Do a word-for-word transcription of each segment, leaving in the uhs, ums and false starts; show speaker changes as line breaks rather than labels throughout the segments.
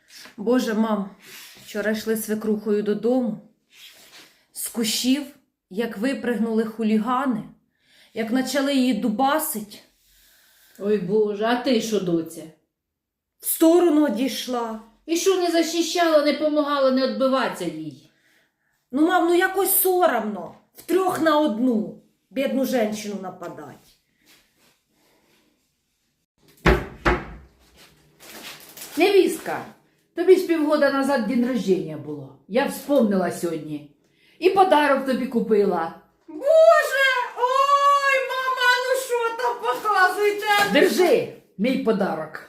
Боже, мам, вчора йшли свекрухою додому. З кущів, як випригнули хулігани, як почали її дубасить.
Ой, Боже, а ти що, доця?
В сторону одійшла.
І що не захищала, не помагала, не відбиватися їй?
Ну, мам, ну якось соромно. Втрьох на одну бідну жінку нападать.
Невістка, тобі ж півгода назад день рождения було. Я вспомнила сьогодні. І подарок тобі купила.
Боже! Ой, мама, ну що там показуєте?
Держи мій подарок.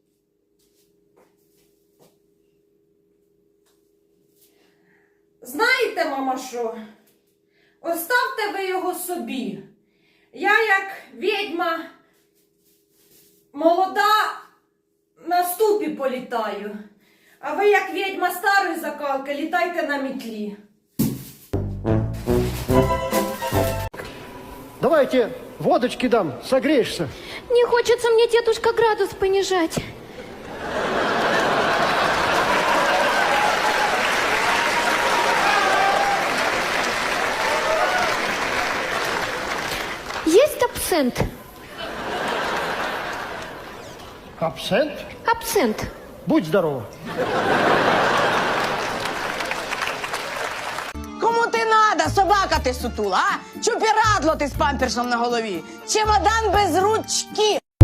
Знаєте, мама, що? Оставте ви його собі. Я, як відьма молода, на ступі політаю. А ви, як відьма старої закалки, літайте на мітлі.
Давай я тебе водочки дам, согреешься.
Не хочется мне, дедушка, градус понижать. Есть абсент?
Абсент?
Абсент.
Будь здорова.
Кому ти надо, собака ти сутула, а? Чупірадло ти з памперсом на голові. Чемодан без ручки.